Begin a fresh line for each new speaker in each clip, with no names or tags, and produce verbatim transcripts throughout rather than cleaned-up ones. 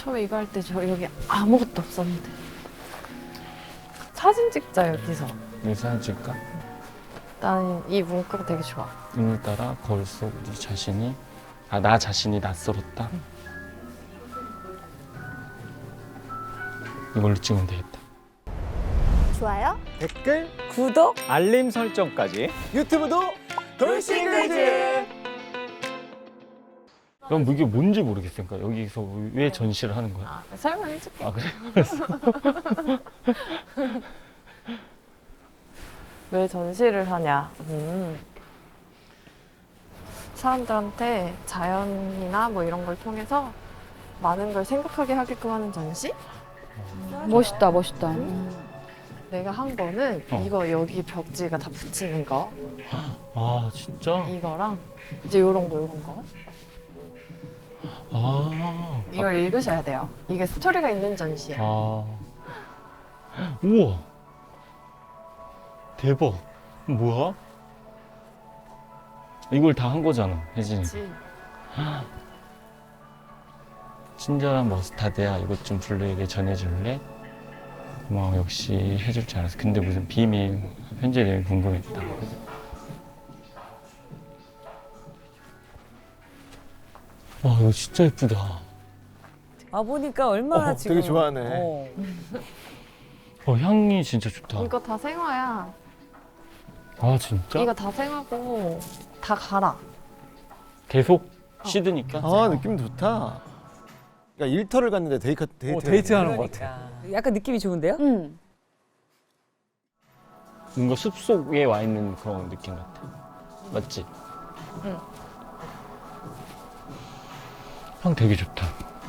처음에 이거 할 때 저 여기 아무것도 없었는데. 사진 찍자 여기서.
이 사진 찍까?
나는 이 문구가 되게 좋아.
오늘따라 거울 속 우리 자신이 아 나 자신이 낯설었다.
응.
이걸로 찍으면 되겠다.
좋아요?
댓글,
구독?
알림 설정까지 유튜브도 돌싱글즈.
그럼 이게 뭔지 모르겠어요. 그러니까 여기서 왜 전시를 하는 거야?
아, 설명해줄게.
아 그래?
왜 전시를 하냐? 음. 사람들한테 자연이나 뭐 이런 걸 통해서 많은 걸 생각하게 하게끔 하는 전시?
멋있다, 멋있다.
내가 한 거는
어.
이거 여기 벽지가 다 붙이는 거
아 진짜?
이거랑 이제 요런 거 요런 거
아,
이걸 읽으셔야 돼요. 이게 스토리가 있는 전시야.
아, 우와, 대박. 뭐야? 이걸 다 한 거잖아, 혜진이.
그치?
친절한 머스타드야. 이것 좀 블루에게 전해줄래? 고마워. 역시 해줄 줄 알았어. 근데 무슨 비밀 편지 내용 궁금했다. 와, 이거 진짜 예쁘다.
아 보니까 얼마나
어,
지금
되게 좋아하네.
어.
어, 향이 진짜 좋다.
이거 다 생화야.
아, 진짜?
이거 다 생화고 다 갈아.
계속 씻으니까?
아, 느낌 좋다. 그러니까 일터를 갔는데 데이트 데이트
어, 데이트하는 것
그러니까. 약간 느낌이 좋은데요?
응.
뭔가 숲속에 와 있는 그런 느낌 같아. 맞지?
응.
향 되게 좋다.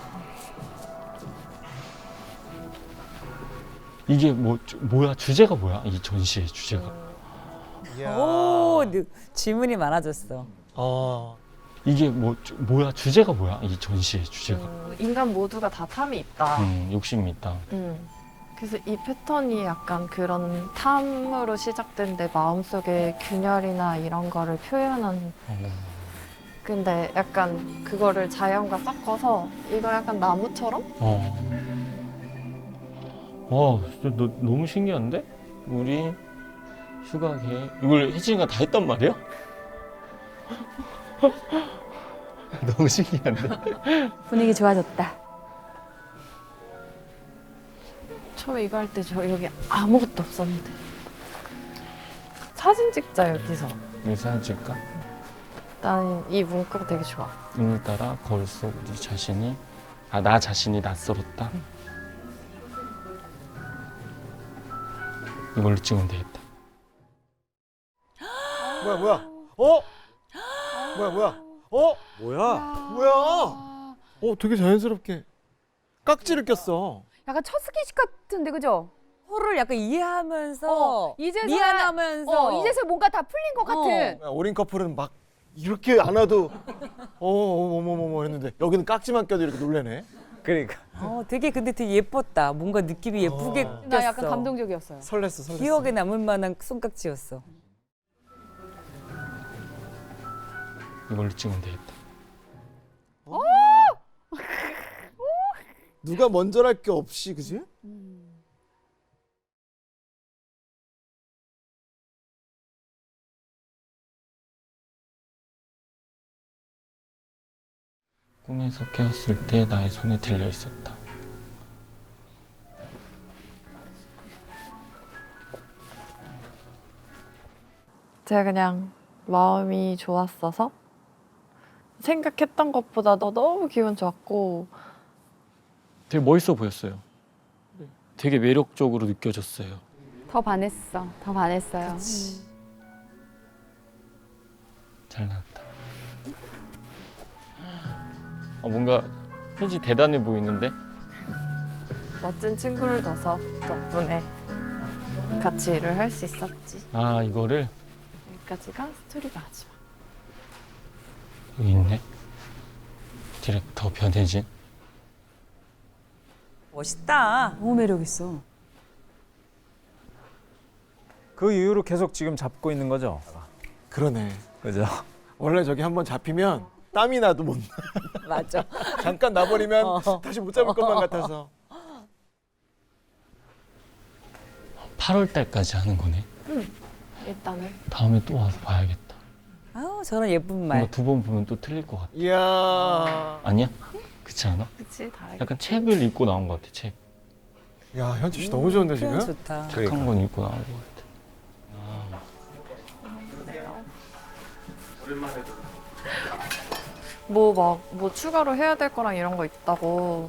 이게 뭐, 주- 뭐야? 주제가 뭐야? 이 전시의 주제가.
이야.
오 느- 질문이 많아졌어.
어.
이게 뭐, 주- 뭐야? 주제가 뭐야? 이 전시의 주제가.
음, 인간 모두가 다 탐이 있다.
음, 욕심이 있다.
음. 그래서 이 패턴이 약간 그런 탐으로 시작된 내 마음속의 균열이나 이런 거를 표현한.
어.
근데 약간 그거를 자연과 섞어서 이거 약간 나무처럼?
어. 와, 진짜 너, 너무 신기한데? 우리 휴가 계획. 이걸 혜진이가 다 했단 말이야? 너무 신기한데?
분위기 좋아졌다.
처음에 이거 할 때 저 여기 아무것도 없었는데. 사진 찍자 여기서.
이 사진 찍까?
나는 이 문구가 되게 좋아.
오늘따라 거울 속 우리 자신이 아 나 자신이 낯설었다. 이걸로 찍으면 되겠다.
뭐야 뭐야? 어? 뭐야 뭐야? 어?
뭐야?
뭐야? 어, 되게 자연스럽게 깍지를 꼈어.
약간 첫 스킨십 같은데, 그죠?
서로를 약간 이해하면서
어, 이제서야-
미안하면서
어, 이제서 뭔가 다 풀린 것 같은.
야, 어린 커플은 막 이렇게 안아도 어, 어머머머머 했는데 여기는 깍지만 껴도 이렇게 놀래네.
그러니까
어, 되게 근데 되게 예뻤다. 뭔가 느낌이 예쁘게
어.
꼈어.
나 약간 감동적이었어요.
설렜어, 설렜어.
기억에 남을 만한 손깍지였어.
이걸로 찍으면 되겠다.
누가 먼저랄 게 없이, 그지?
꿈에서 깨었을 때 나의 손에 들려 있었다.
제가 그냥 마음이 좋았어서 생각했던 것보다도 너무 기분 좋았고
되게 멋있어 보였어요. 되게 매력적으로 느껴졌어요.
더 반했어. 더 반했어요.
잘 나왔다. 아, 뭔가 혜지 대단해 보이는데?
멋진 친구를 둬서 덕분에 같이 일을 할 수 있었지.
아 이거를
여기까지가 스토리가 마지막.
여기 있네. 디렉터 변혜진.
멋있다.
너무 매력 있어.
그 이후로 계속 지금 잡고 있는 거죠?
그러네.
그죠?
원래 저기 한번 잡히면 땀이 나도 못 나.
맞아.
잠깐 나버리면
어.
다시 못 잡을 것만 같아서.
팔월 달까지 하는 거네.
일단은
다음에 또 와서 봐야겠다.
아우 저런 예쁜 말.
뭔가 두 번 보면 또 틀릴 것 같아.
이야.
아니야? 그렇지 않아?
그치 다르게.
약간 책을 읽고 나온 것 같아. 책.
야, 현주 씨 너무 좋은데 지금?
표현 좋다.
책 한 권 읽고 나온 것 같아.
뭐 막 뭐 추가로 해야 될 거랑 이런 거 있다고.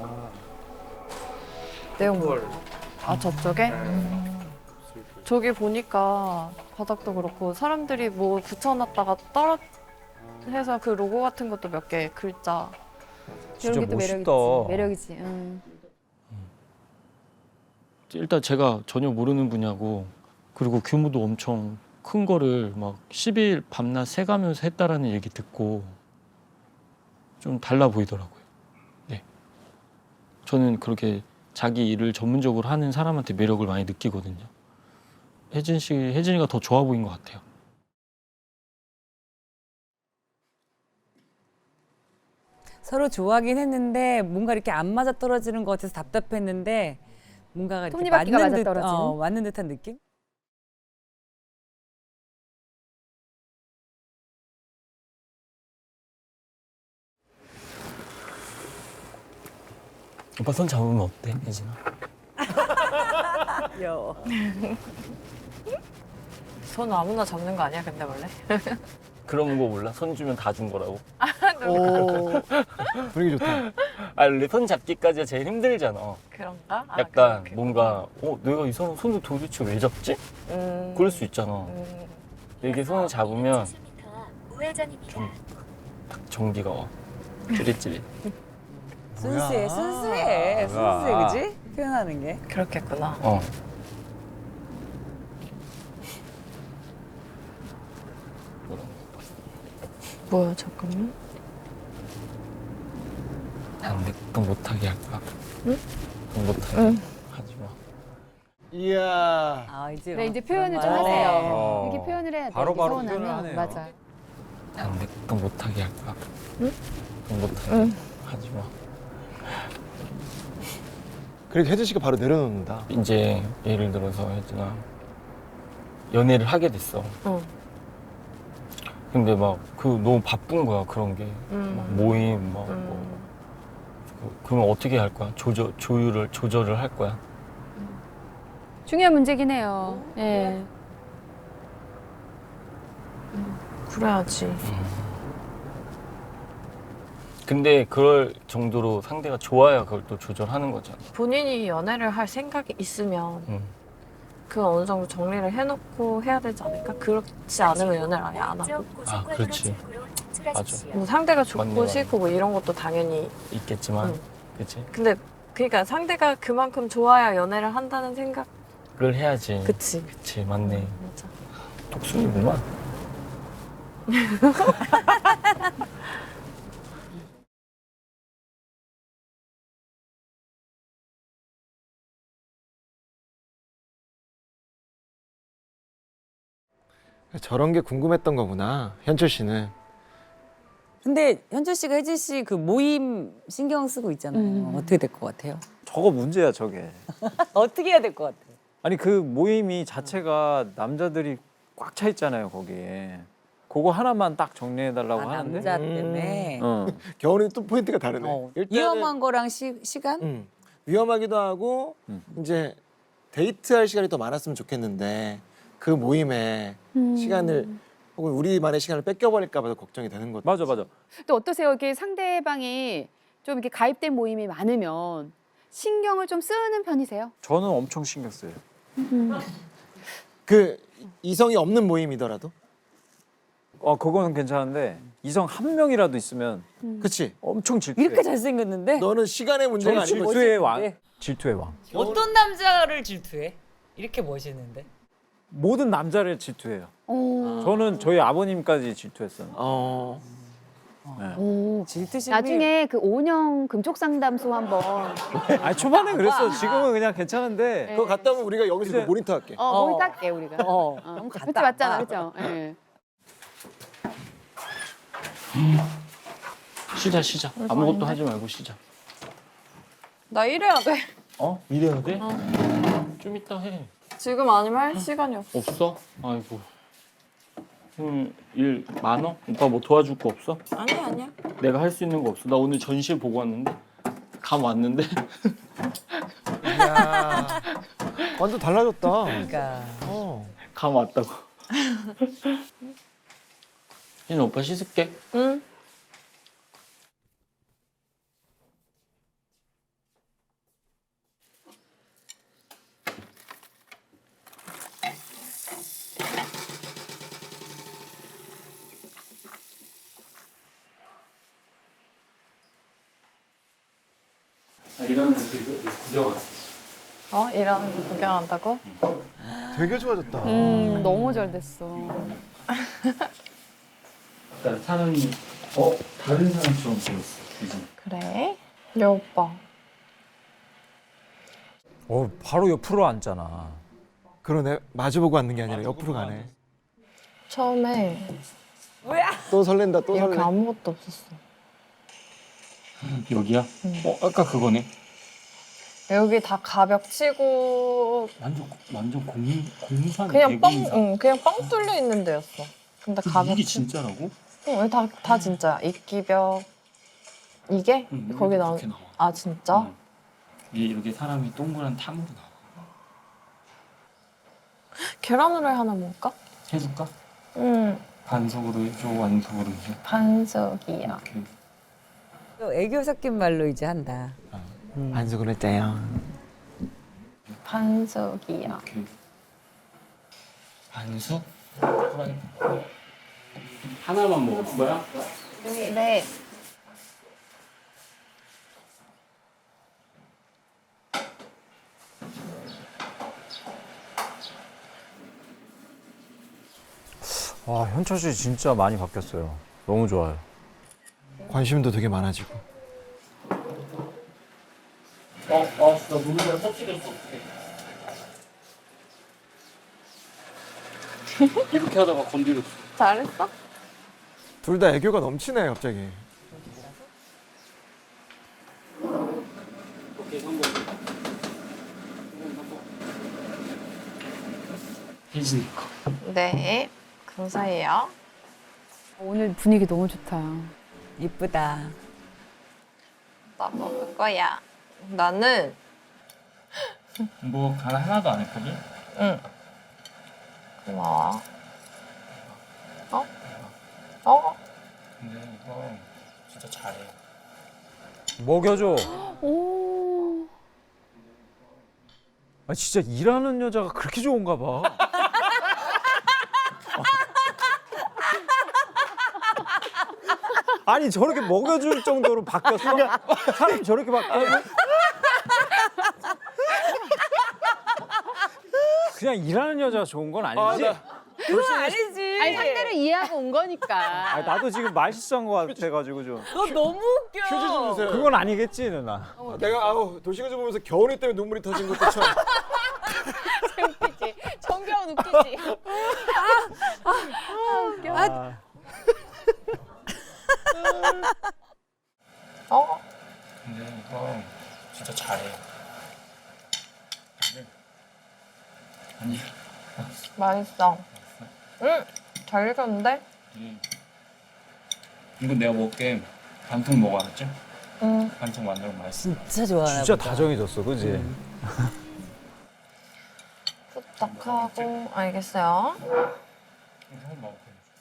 내용 뭐? 아 저쪽에? 저기 보니까 바닥도 그렇고 사람들이 뭐 붙여놨다가 떨어 해서 그 로고 같은 것도 몇 개 글자.
이런 게 또 매력이지. 매력이지. 응.
일단 제가 전혀 모르는 분야고 그리고 규모도 엄청 큰 거를 막 십 일 밤낮 새가면서 했다라는 얘기 듣고 좀 달라 보이더라고요. 네. 저는 그렇게 자기 일을 전문적으로 하는 사람한테 매력을 많이 느끼거든요. 혜진 씨, 혜진이가 더 좋아 보인 것 같아요.
서로 좋아하긴 했는데 뭔가 이렇게 안 맞아 떨어지는 것 같아서 답답했는데 뭔가가 이렇게
톱니바퀴가
맞는 듯,
맞아떨어지는?
어, 맞는 듯한 느낌?
오빠 손 잡으면 어때, 혜진아?
귀여워.
손 아무나 잡는 거 아니야 근데 원래?
그런 거 몰라? 손 주면 다 준 거라고?
오. 분위기 좋다.
아, 원래 손 잡기까지가 제일 힘들잖아.
그런가? 아,
약간
그- 그-
뭔가 어 내가 이 사람 손을 도대체 왜 잡지?
음,
그럴 수 있잖아.
음,
이렇게 손을 잡으면 좀 딱 정기가 와. 찌릿찌릿.
순수해, 순수해, 순수해, 그지? 표현하는 게.
그렇겠구나.
어.
뭐야 잠깐만.
난 내거 못하게 할 거야.
응?
넌 못하게
응.
하지 마.
이야.
아 이제.
그래, 이제
어,
표현을 좀
그런 말.
하세요.
어.
이렇게 표현을 해야 돼.
바로바로
이게
표현을
서운하면.
하네요.
맞아.
난 내거 못하게 할 거야.
응?
넌 못하게
응.
하지 마.
그리고 혜진 씨가 바로 내려놓는다.
이제 예를 들어서 혜진아 연애를 하게 됐어.
응.
근데 막 그 너무 바쁜 거야 그런 게.
음.
막 모임 막
음.
뭐. 그- 그러면 어떻게 할 거야? 조절 조율을 조절을 할 거야?
중요한 문제긴 해요. 예.
그래야지.
근데 그럴 정도로 상대가 좋아야 그걸 또 조절하는 거잖아.
본인이 연애를 할 생각이 있으면
응.
그 어느 정도 정리를 해놓고 해야 되지 않을까? 그렇지 않으면 연애를 아예 안 하고.
아, 그렇지. 맞아.
뭐 상대가 좋고
맞네, 맞네.
싫고 뭐 이런 것도 당연히.
있겠지만,
응.
그치?
근데 그러니까 상대가 그만큼 좋아야 연애를 한다는 생각.
그걸 해야지.
그치.
그치, 맞네.
맞아.
독순이구만.
저런 게 궁금했던 거구나. 현철 씨는.
근데 현철 씨가 혜진 씨 그 모임 신경 쓰고 있잖아요.
음.
어떻게 될 것 같아요?
저거 문제야 저게.
어떻게 해야 될 것 같아요?
아니 그 모임이 자체가 남자들이 꽉 차 있잖아요 거기에. 그거 하나만 딱 정리해 달라고
아,
하는데.
남자 때문에.
어.
겨울이 또 포인트가 다르네.
어,
일단은-
위험한 거랑 시, 시간?
음, 위험하기도 하고
음.
이제 데이트할 시간이 더 많았으면 좋겠는데 그 모임에
음.
시간을 혹은 우리만의 시간을 뺏겨버릴까 봐서 걱정이 되는 거죠.
맞아 맞아.
또 어떠세요? 이렇게 상대방이 좀 이렇게 가입된 모임이 많으면 신경을 좀 쓰는 편이세요?
저는 엄청 신경 써요.
그 이성이 없는 모임이더라도.
어 그거는 괜찮은데 이성 한 명이라도 있으면
그치?
엄청 질투해.
이렇게 잘생겼는데?
너는 시간의 문제가
저는
아니고
질투의 왕.
멋있는데.
질투의 왕.
어떤 남자를 질투해? 이렇게 멋있는데?
모든 남자를 질투해요.
오.
저는 저희 아버님까지 질투했어요.
어.
네.
오.
질투심이
나중에 그 오년 금쪽 상담소 한번
아니 초반에 그랬어. 지금은 그냥 괜찮은데.
그거 갔다 오면 우리가 여기서
이제-
그 모니터 할게.
어,
어.
모니터 할게 우리가.
어.
어,
갔다
그때 맞잖아,
와.
그죠? 예.
쉬자 쉬자.
별거
아무것도
아닌데?
하지 말고 쉬자.
나 일해야 돼.
어? 일해야 돼?
어.
좀 이따 해.
지금 아니면 할 시간이 없어.
없어? 아이고. 오늘 일 많어? 오빠 뭐 도와줄 거 없어?
아니야 아니야.
내가 할 수 있는 거 없어? 나 오늘 전시회 보고 왔는데 감 왔는데
야, 완전 달라졌다.
그러니까.
어.
감 왔다고. 희진 오빠 씻을게.
응.
아, 이런 거 구경 왔어.
어? 일하는 거 구경한다고?
되게 좋아졌다.
음, 너무 잘 됐어.
아까 사람이 어 다른 사람처럼 보였어. 희진.
그래? 여 오빠.
어, 바로 옆으로 앉잖아.
그러네. 마주보고 앉는 게 아니라 옆으로 가네.
처음에
또 설렌다. 또
이렇게
설레.
아무것도 없었어.
여기야?
응.
어 아까 그거네.
여기 다 가벽 치고
완전 완전 공 공산
그냥 뻥,
대공산.
응, 그냥 뻥 뚫려 있는 데였어. 근데 가벽
이게
치-
진짜라고?
응, 다, 다 진짜야. 이끼벽. 이게?
응,
거기 나온.
이렇게 나와.
아, 진짜?
응. 이게 이렇게 사람이 동그란 탐으로 나와.
계란 후라이 하나 먹을까?
해줄까?
응,
반숙으로 해줘, 완숙으로 해줘.
반숙이야.
이렇게.
또 애교 섞인 말로 이제 한다.
반숙을 했대요.
반숙이야.
이렇게. 반숙? 후라이. 하나만 먹을 거야?
네.
와, 현철 씨 진짜 많이 바뀌었어요. 너무 좋아요.
관심도 되게 많아지고.
어, 어, 나 눈물에 터뜨렸어. 어떡해. 이렇게 하다가 건드렸어.
잘했어?
둘 다 애교가 넘치네 갑자기.
오케이, 성공. 희진이 거.
네. 감사해요.
오늘 분위기 너무 좋다.
이쁘다.
나 먹을 거야. 나는,
뭐 하나 하나도 안 했거든?
응. 고마워. 어? 어?
근데 이거 진짜 잘해.
먹여줘.
오.
아, 진짜 일하는 여자가 그렇게 좋은가 봐. 아니 저렇게 먹여줄 정도로 바뀌었어? 사람이 저렇게 바뀌어? 그냥 일하는 여자가 좋은 건 아니지?
그건 아니지.
아니 상대를 이해하고 온 거니까.
아, 나도 지금 말 실수한 것 같아가지고 좀.
너 너무 웃겨.
퀴즈 좀 주세요.
그건 아니겠지 누나.
아, 내가 아우 도시가주 보면서 겨울이 때문에 눈물이 터진 것도 참.
웃기지. 정겨운 웃기지.
아,
어?
근데 이거 진짜 잘해. 아니,
맛있어. 응. 잘 익었는데?
이- 이거 내가 먹게 반통 먹어 알았지?
응.
반통 만들면 맛있어.
진짜 좋아하나
진짜
보다.
다정해졌어, 그지?
부탁하고 알겠어요.
이거 먹어.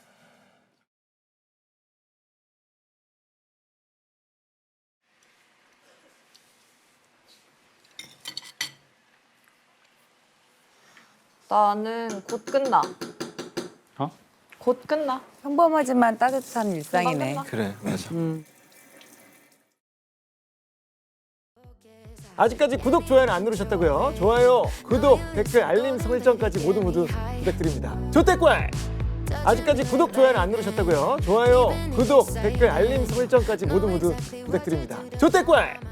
나는 곧 끝나.
어?
곧 끝나.
평범하지만 따뜻한 일상이네.
끝나.
그래 맞아.
음.
아직까지 구독 좋아요는 안 누르셨다고요? 좋아요, 구독, 댓글, 알림 설정까지 모두 모두 부탁드립니다. 조태꿀! 아직까지 구독 좋아요는 안 누르셨다고요? 좋아요, 구독, 댓글, 알림 설정까지 모두 모두 부탁드립니다. 조태꿀!